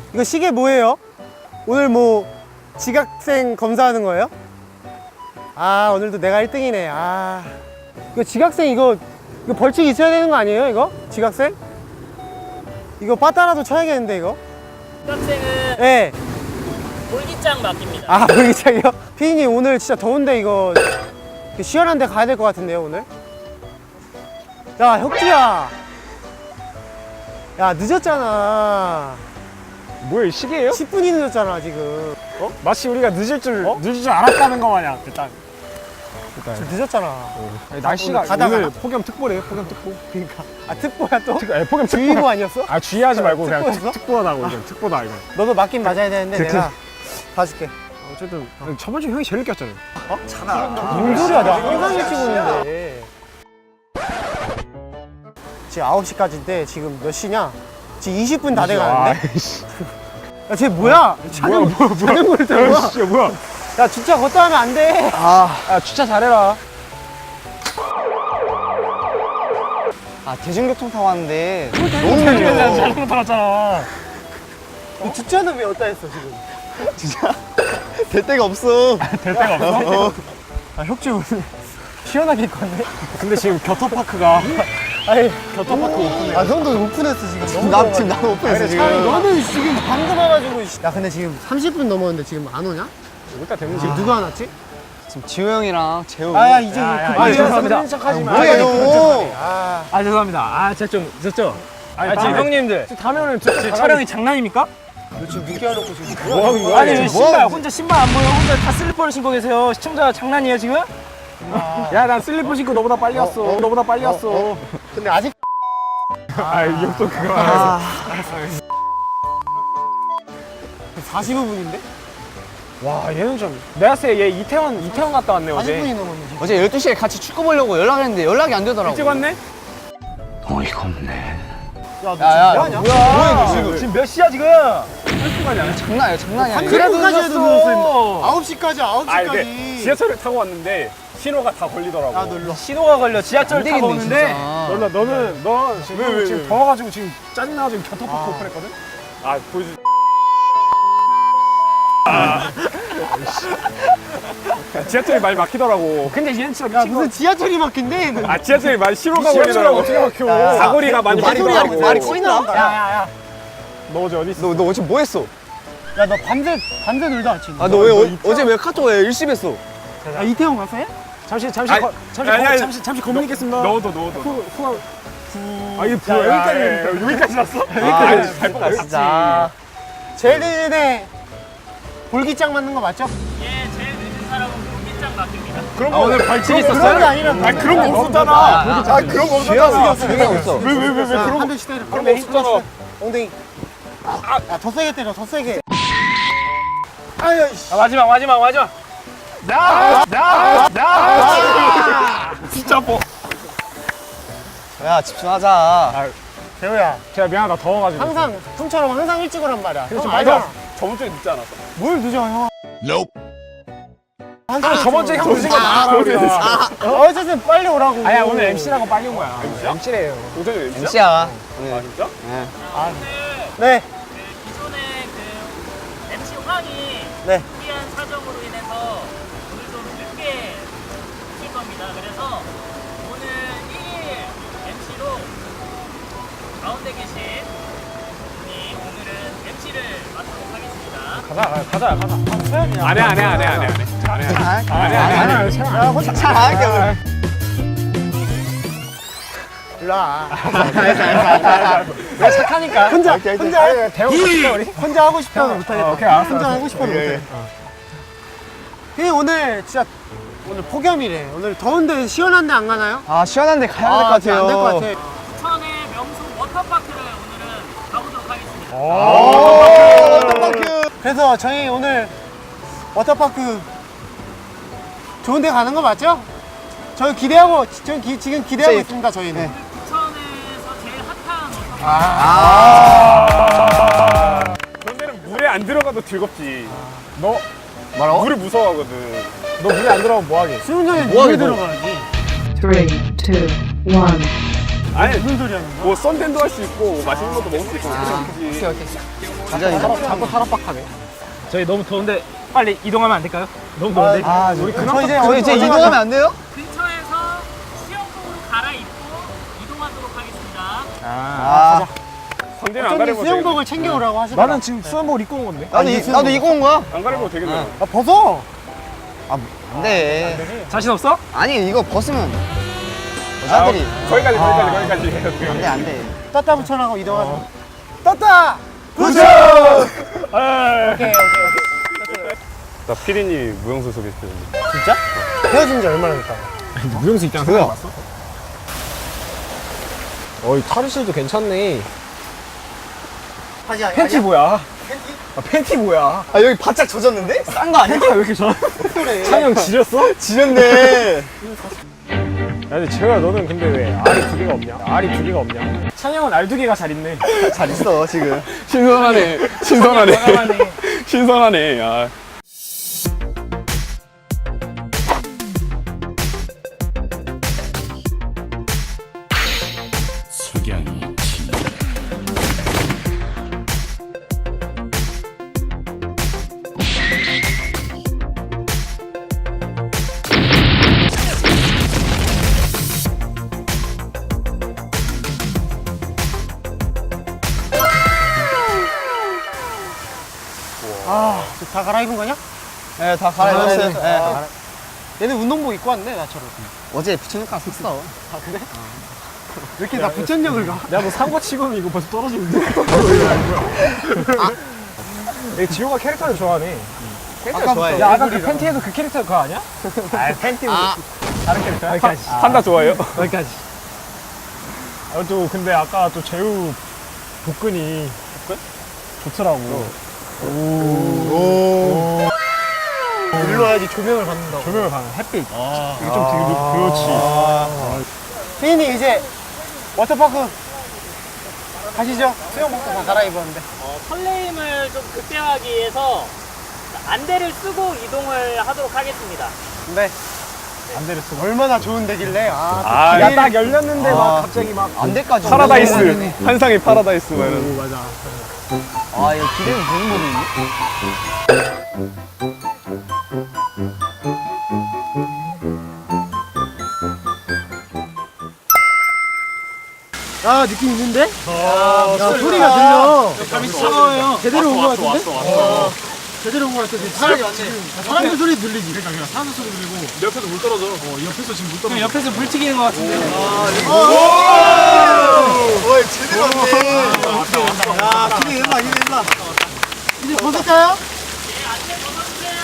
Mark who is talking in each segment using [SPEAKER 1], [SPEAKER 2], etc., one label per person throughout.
[SPEAKER 1] 이거 시계 뭐예요? 오늘 뭐 지각생 검사하는 거예요? 아, 오늘도 내가 1등이네. 아, 이거 지각생 이거 벌칙 있어야 되는 거 아니에요? 이거 지각생? 이거 빠따라도 쳐야겠는데 이거?
[SPEAKER 2] 지각생은
[SPEAKER 1] 네.
[SPEAKER 2] 볼기장 맡깁니다.
[SPEAKER 1] 아, 볼기장이요? 피디님 오늘 진짜 더운데 이거 시원한 데 가야 될 것 같은데요 오늘? 야, 혁주야, 야 늦었잖아.
[SPEAKER 3] 뭐야, 이 시계예요?
[SPEAKER 1] 10분이 늦었잖아 지금.
[SPEAKER 3] 마치 우리가 늦을 줄 알았다는 거 마냥. 일단
[SPEAKER 1] 지금 늦었잖아.
[SPEAKER 3] 아니, 날씨가
[SPEAKER 1] 가다가
[SPEAKER 3] 오늘 폭염특보래요. 폭염특보.
[SPEAKER 1] 그러니까 아, 특보야 또?
[SPEAKER 3] 폭염특보.
[SPEAKER 1] 주의보 아니었어?
[SPEAKER 3] 아, 주의하지 말고 그냥
[SPEAKER 1] 특보였어?
[SPEAKER 3] 특보다고. 이건 특보다 이거.
[SPEAKER 1] 너도 맞긴 맞아야 되는데
[SPEAKER 3] 그치.
[SPEAKER 1] 내가 봐줄게.
[SPEAKER 3] 어쨌든 저번 주 형이 제일 늦게 왔잖아요.
[SPEAKER 1] 뭔 소리야, 나 항상 일찍 오는데. 지금 9시까지인데 지금 몇 시냐? 지금 20분 다 돼가는데? 야, 쟤 뭐야? 자전거를 타고 와.
[SPEAKER 3] 야, 뭐야?
[SPEAKER 1] 야, 주차 걷다 하면 안 돼.
[SPEAKER 3] 야, 주차 잘해라.
[SPEAKER 4] 아, 대중교통 타고 왔는데 너무
[SPEAKER 3] 자전거
[SPEAKER 4] 느려.
[SPEAKER 3] 자전거 타고 왔잖아.
[SPEAKER 1] 너 주차는 왜 어디다 했어 지금?
[SPEAKER 4] 진짜 될 데가 없어.
[SPEAKER 3] 될 데가 없어?
[SPEAKER 1] 아, 혁주 오늘 시원하게 입고 왔네?
[SPEAKER 3] 근데 지금 겨터파크가
[SPEAKER 1] 아니,
[SPEAKER 3] 겨터파크 오픈해.
[SPEAKER 1] 아, 형도 오픈했어 지금. 너무
[SPEAKER 4] 지금 나도 오픈했어
[SPEAKER 1] 아니,
[SPEAKER 4] 지금.
[SPEAKER 1] 너는 지금 방금 와가지고. 야, 근데 지금 30분 넘었는데 지금 안 오냐?
[SPEAKER 3] 일단 되면
[SPEAKER 1] 지금 누가 안 왔지?
[SPEAKER 4] 지금 지호 형이랑 재호.
[SPEAKER 1] 아, 이제
[SPEAKER 3] 야,
[SPEAKER 1] 그만
[SPEAKER 3] 죄송합니다.
[SPEAKER 1] 척하지 마.
[SPEAKER 4] 뭐야, 너.
[SPEAKER 1] 아,
[SPEAKER 3] 죄송합니다. 아, 제가 좀 늦었죠?
[SPEAKER 2] 아니, 지금 형님들
[SPEAKER 3] 다음에 오늘
[SPEAKER 2] 지금 촬영이 장난입니까?
[SPEAKER 1] 너 지금 늦게 하려고 지금
[SPEAKER 3] 뭐 하는 거야?
[SPEAKER 2] 아니
[SPEAKER 3] 지금?
[SPEAKER 2] 신발 혼자 신발 안 보여? 혼자 다 슬리퍼를 신고 계세요. 시청자 장난이에요 지금?
[SPEAKER 3] 야, 난 슬리퍼 신고 너보다 빨리 왔어. 너보다 빨리 왔어.
[SPEAKER 1] 근데 아직
[SPEAKER 3] 아, 이 형도 그거.
[SPEAKER 1] 45분인데?
[SPEAKER 3] 와, 얘는 좀. 내가 봤을 때 얘 이태원 갔다 왔네,
[SPEAKER 1] 40분이
[SPEAKER 3] 어제.
[SPEAKER 1] 넘었네 지금.
[SPEAKER 4] 어제 12시에 같이 축구 보려고 연락했는데 연락이 안 되더라고.
[SPEAKER 3] 일찍 왔네?
[SPEAKER 1] 야, 너
[SPEAKER 4] 야,
[SPEAKER 1] 지금 뭐하냐?
[SPEAKER 4] 뭐야, 너 지금.
[SPEAKER 2] 지금 몇 시야 지금?
[SPEAKER 4] 장난이야, 장난이야. 이거.
[SPEAKER 1] 그래까지 해도
[SPEAKER 2] 늦었어.
[SPEAKER 1] 9시까지
[SPEAKER 3] 아, 근데
[SPEAKER 1] 9시까지.
[SPEAKER 3] 지하철을 타고 왔는데 신호가 다 걸리더라고.
[SPEAKER 1] 야, 너 일로 와.
[SPEAKER 2] 신호가 걸려. 지하철
[SPEAKER 4] 안
[SPEAKER 2] 타고
[SPEAKER 4] 되겠네,
[SPEAKER 2] 오는데
[SPEAKER 4] 진짜.
[SPEAKER 3] 넌 지금,
[SPEAKER 1] 왜?
[SPEAKER 3] 지금 더워가지고 지금 짜증나가지고 겨터파크 오픈했거든? 아, 보여주. 지하철이 많이 막히더라고. 근데 얘는 진짜
[SPEAKER 1] 야,
[SPEAKER 3] 미친
[SPEAKER 1] 무슨 지하철이 막힌대?
[SPEAKER 3] 아, 지하철이 많이 신호가 걸리더라고. 어떻게 막혀? 사거리가 많이
[SPEAKER 4] 말이
[SPEAKER 3] 막히더라고.
[SPEAKER 4] 말이 꼬인다.
[SPEAKER 1] 야야야.
[SPEAKER 3] 너 어제 어디 있어?
[SPEAKER 4] 너 어제 뭐 했어?
[SPEAKER 1] 야, 너 밤새 놀다 왔지?
[SPEAKER 4] 아, 너 왜 어제 왜 카톡 왜 일심했어?
[SPEAKER 1] 야, 이태원 갔어?
[SPEAKER 3] 잠시
[SPEAKER 1] 거문 있겠습니다.
[SPEAKER 3] 넣어도. 아, 이게 뭐야? 여기까지 왔어? 잘 뽑았지.
[SPEAKER 4] 진짜.
[SPEAKER 1] 제일 늦은 볼기장 맞는 거 맞죠?
[SPEAKER 2] 예 제일 늦은 사람은 볼기장 맡깁니다.
[SPEAKER 3] 그런 거 오늘 벌칙
[SPEAKER 1] 그런 게 아니라
[SPEAKER 3] 그런 거 없었잖아. 아, 그런 거 없었잖아.
[SPEAKER 4] 그냥 없어.
[SPEAKER 3] 왜 그런 거
[SPEAKER 1] 한 대씩 때려.
[SPEAKER 3] 그런 거 없었잖아.
[SPEAKER 1] 엉덩이. 야, 더 세게 때려, 더 세게. 아유, 씨.
[SPEAKER 2] 아, 마지막.
[SPEAKER 3] 진짜 뭐.
[SPEAKER 4] 야, 집중하자.
[SPEAKER 1] 재호야,
[SPEAKER 3] 제가 미안하다, 더워가지고.
[SPEAKER 1] 항상 형처럼 항상 일찍 오란 말이야.
[SPEAKER 3] 그래서
[SPEAKER 1] 형
[SPEAKER 3] 맞아.
[SPEAKER 1] 알잖아.
[SPEAKER 3] 저번 주에 늦지 않았어.
[SPEAKER 1] 뭘 늦어, 형?
[SPEAKER 3] 저번 주에 형 늦은 거 많아, 우리가.
[SPEAKER 1] 어쨌든 빨리 오라고.
[SPEAKER 3] 아야, 오늘 MC라고 빨리 온 거야. MC래요. 오전에 MC야?
[SPEAKER 4] MC야.
[SPEAKER 3] 아, 진짜?
[SPEAKER 1] 네,
[SPEAKER 2] 기존에 그 MC 황이
[SPEAKER 1] 네.
[SPEAKER 2] 특이한 사정으로 인해서 오늘 좀 늦게 칠 겁니다. 그래서 오늘 1일 MC로 가운데 계신 분이 오늘은 MC를 맡도록 하겠습니다.
[SPEAKER 3] 가자. 안 해.
[SPEAKER 1] 야, 혼자
[SPEAKER 4] 잘할게, 오늘.
[SPEAKER 1] 일로 와.
[SPEAKER 3] 야, 착하니까.
[SPEAKER 1] 혼자
[SPEAKER 3] 대우가 우리?
[SPEAKER 1] 혼자 하고 싶어도 못하겠다.
[SPEAKER 3] 오케이, 알았어.
[SPEAKER 1] 혼자 하고 싶어도 못해. 형님 오늘 진짜 오늘 폭염이래. 오늘 더운데 시원한데 안 가나요?
[SPEAKER 4] 아, 시원한데 가야 될 것 같아요.
[SPEAKER 1] 안될 것 같아.
[SPEAKER 2] 부천의 명소 워터파크를 오늘은 가보도록 하겠습니다.
[SPEAKER 4] 워터파크.
[SPEAKER 1] 그래서 저희 오늘 워터파크 좋은 데 가는 거 맞죠? 저희 지금 기대하고
[SPEAKER 4] 네.
[SPEAKER 1] 있습니다, 저희는.
[SPEAKER 2] 부천에서 제일 핫한 워터파크.
[SPEAKER 3] 그런 데는 물에 안 들어가도 즐겁지. 너
[SPEAKER 4] 뭐라고?
[SPEAKER 3] 물을 무서워하거든. 너 물에 안 들어가면 뭐하게?
[SPEAKER 1] 수영장에
[SPEAKER 4] 뭐하게
[SPEAKER 1] 물에
[SPEAKER 4] 너?
[SPEAKER 1] 들어가야지.
[SPEAKER 5] 3, 2, 1.
[SPEAKER 3] 아니,
[SPEAKER 1] 무슨 소리 하는 거야?
[SPEAKER 3] 뭐 썬댄도 할 수 있고, 맛있는 것도 먹을 수 있고, 그냥 그지.
[SPEAKER 4] 오케이.
[SPEAKER 3] 자꾸 타락박하네. 저희 너무 더운데 빨리 이동하면 안 될까요? 너무 더운데.
[SPEAKER 1] 우리
[SPEAKER 4] 저희 이제 이동하면 안 돼요?
[SPEAKER 2] 근처에서 수영복으로 갈아입고 이동하도록 하겠습니다.
[SPEAKER 3] 상대는 안
[SPEAKER 1] 어쩐지
[SPEAKER 3] 가려면
[SPEAKER 1] 수영복을 챙겨오라고 하시더라.
[SPEAKER 3] 나는 지금 수영복을 입고 온 건데.
[SPEAKER 4] 나도 이거 온 거야.
[SPEAKER 3] 안 가려면 되겠네.
[SPEAKER 1] 아, 벗어.
[SPEAKER 4] 안 돼.
[SPEAKER 3] 자신 없어?
[SPEAKER 4] 아니 이거 벗으면 여자들이
[SPEAKER 3] 거기까지.
[SPEAKER 4] 안 돼, 안 돼.
[SPEAKER 1] 따따 붙여라고 이동하자. 따따! 붙여! 오케이.
[SPEAKER 3] 나 피디님이 무용수 소개시켜줬는데.
[SPEAKER 1] 진짜? 헤어진 지 얼마나 됐다고?
[SPEAKER 3] 무용수 입장 생각해봤어? 어이 타르실도 괜찮네.
[SPEAKER 1] 하지
[SPEAKER 3] 팬티 뭐야? 팬티 뭐야?
[SPEAKER 4] 아 여기 바짝 젖었는데? 싼 거 아니야?
[SPEAKER 3] 팬티가 왜 이렇게 져? 찬영 지렸어?
[SPEAKER 4] 지렸네.
[SPEAKER 3] 야, 근데 재호야 너는 근데 왜 알이 두 개가 없냐? 알이 두 개가 없냐? 찬영은 알 두 개가 잘 있네.
[SPEAKER 4] 잘 있어 지금.
[SPEAKER 3] 신선하네. 신선하네. 아.
[SPEAKER 1] 다 갈아입은 거냐?
[SPEAKER 4] 네, 다 갈아입었어요.
[SPEAKER 1] 네.
[SPEAKER 4] 네.
[SPEAKER 1] 얘는 운동복 입고 왔네, 나처럼.
[SPEAKER 4] 어제 부천육가 샀어.
[SPEAKER 1] 아, 그래? 왜 이렇게 나 부천역을 가?
[SPEAKER 3] 내가 뭐 산거 치고는 이거 벌써 떨어지는데. 내가 지호가 캐릭터를 좋아하네.
[SPEAKER 4] 아까 좋아해.
[SPEAKER 3] 야, 아까 그 팬티에도 그 캐릭터 그거 아니야? 아, 팬티는 다른 캐릭터야? 여기까지. 판다 좋아해요? 여기까지. 또 근데 아까 또 재우 복근이 좋더라고.
[SPEAKER 1] 일로 와야지 조명을 받는다고.
[SPEAKER 3] 조명을 받는 햇빛. 이게 좀 되게 그렇지.
[SPEAKER 1] 피디님, 이제 워터파크 가시죠? 수영복도 다 갈아입었는데.
[SPEAKER 2] 설레임을 좀 극대화하기 위해서 안대를 쓰고 이동을 하도록 하겠습니다.
[SPEAKER 1] 네.
[SPEAKER 3] 안대를 쓰고.
[SPEAKER 1] 얼마나 좋은 데길래.
[SPEAKER 3] 야, 딱 열렸는데 막 갑자기 막
[SPEAKER 4] 안대까지.
[SPEAKER 3] 파라다이스. 환상의 파라다이스 막 이런. 맞아.
[SPEAKER 4] 아 이거 기대는 되는 거네.
[SPEAKER 1] 아, 느낌 있는데? 야, 소리가 들려.
[SPEAKER 2] 감이 차가워요.
[SPEAKER 1] 제대로 온 거 같은데? 제대로 온 거 같아. 사람들 소리 들리지?
[SPEAKER 3] 그러니까 사는 소리 들리고 옆에서 물 떨어져. 옆에서 지금 물 떨어져.
[SPEAKER 2] 옆에서 불 튀기는 것 같은데.
[SPEAKER 4] 오, 제대로 왔네.
[SPEAKER 1] 야, 기대 일라, 기대 일라. 이제 벗을까요?
[SPEAKER 2] 네, 안대 벗어주세요.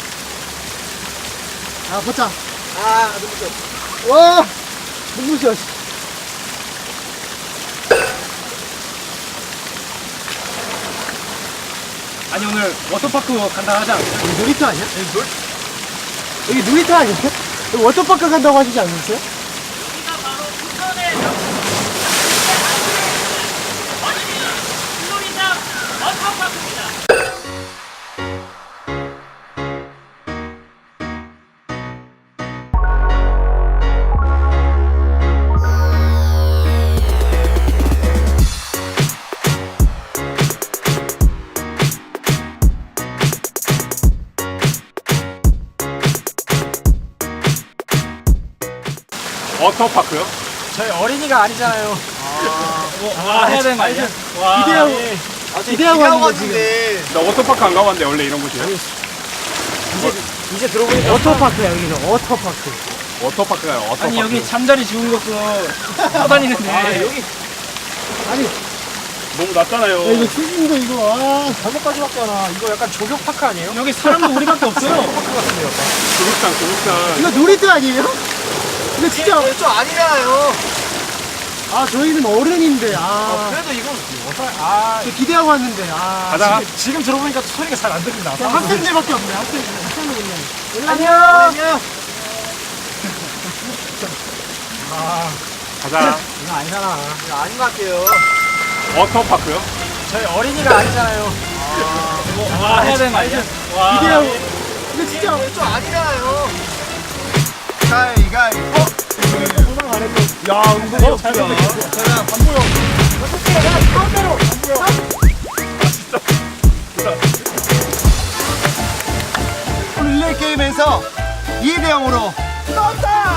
[SPEAKER 1] 아, 벗자. 눈부셔. 와, 눈부셔.
[SPEAKER 3] 아니 오늘 워터파크 간다 하지 않았어요?
[SPEAKER 1] 여기 놀이터 아니야? 여기 놀이터 아니야? 여기 워터파크 간다고 하시지 않았어요?
[SPEAKER 2] 여기가 바로 부천의 물놀이장 워터파크입니다.
[SPEAKER 3] 워터파크요? 저희 어린이가 아니잖아요. 해야 되는 거 아니야?
[SPEAKER 1] 기대하고 하는 거지.
[SPEAKER 3] 나 워터파크 안 가봤는데 원래 이런 곳이야? 이제 들어보니까
[SPEAKER 1] 워터파크야, 여기는. 워터파크.
[SPEAKER 3] 워터파크가 워터파크.
[SPEAKER 2] 아니 여기 잠자리 죽은 것도 떠다니는데
[SPEAKER 3] 여기
[SPEAKER 1] 아니,
[SPEAKER 3] 너무 낮잖아요.
[SPEAKER 1] 야, 이거 추진도 이거, 아.
[SPEAKER 3] 잘못까지 봤잖아. 이거 약간 조격파크 아니에요?
[SPEAKER 2] 여기 사람도 우리밖에 없어요.
[SPEAKER 3] 파크 같은데 약간. 조격장.
[SPEAKER 1] 이거 놀이터 아니에요? 이거 진짜.
[SPEAKER 4] 좀 아니잖아요.
[SPEAKER 1] 아, 저희는 어른인데, 아.
[SPEAKER 4] 그래도 이건
[SPEAKER 1] 저 기대하고 왔는데, 아.
[SPEAKER 3] 가자. 지금 들어보니까 소리가 잘 안 들린다.
[SPEAKER 1] 그냥 학생들밖에 없네, 학생들. 학생들 그냥.
[SPEAKER 3] 안녕.
[SPEAKER 1] 안녕.
[SPEAKER 3] 가자.
[SPEAKER 1] 이거 아니잖아.
[SPEAKER 4] 이거 아닌 것 같아요.
[SPEAKER 3] 워터파크요? 저희 어린이가 아니잖아요.
[SPEAKER 2] 해야 되는 거 아니야?
[SPEAKER 1] 기대하고. 이거 진짜.
[SPEAKER 4] 좀 아니잖아요. 가위가위보.
[SPEAKER 3] 야, 은근히 없다.
[SPEAKER 4] 제가 안 보여.
[SPEAKER 3] 아, 진짜.
[SPEAKER 1] 오늘 게임에서 2대 0으로 떴다!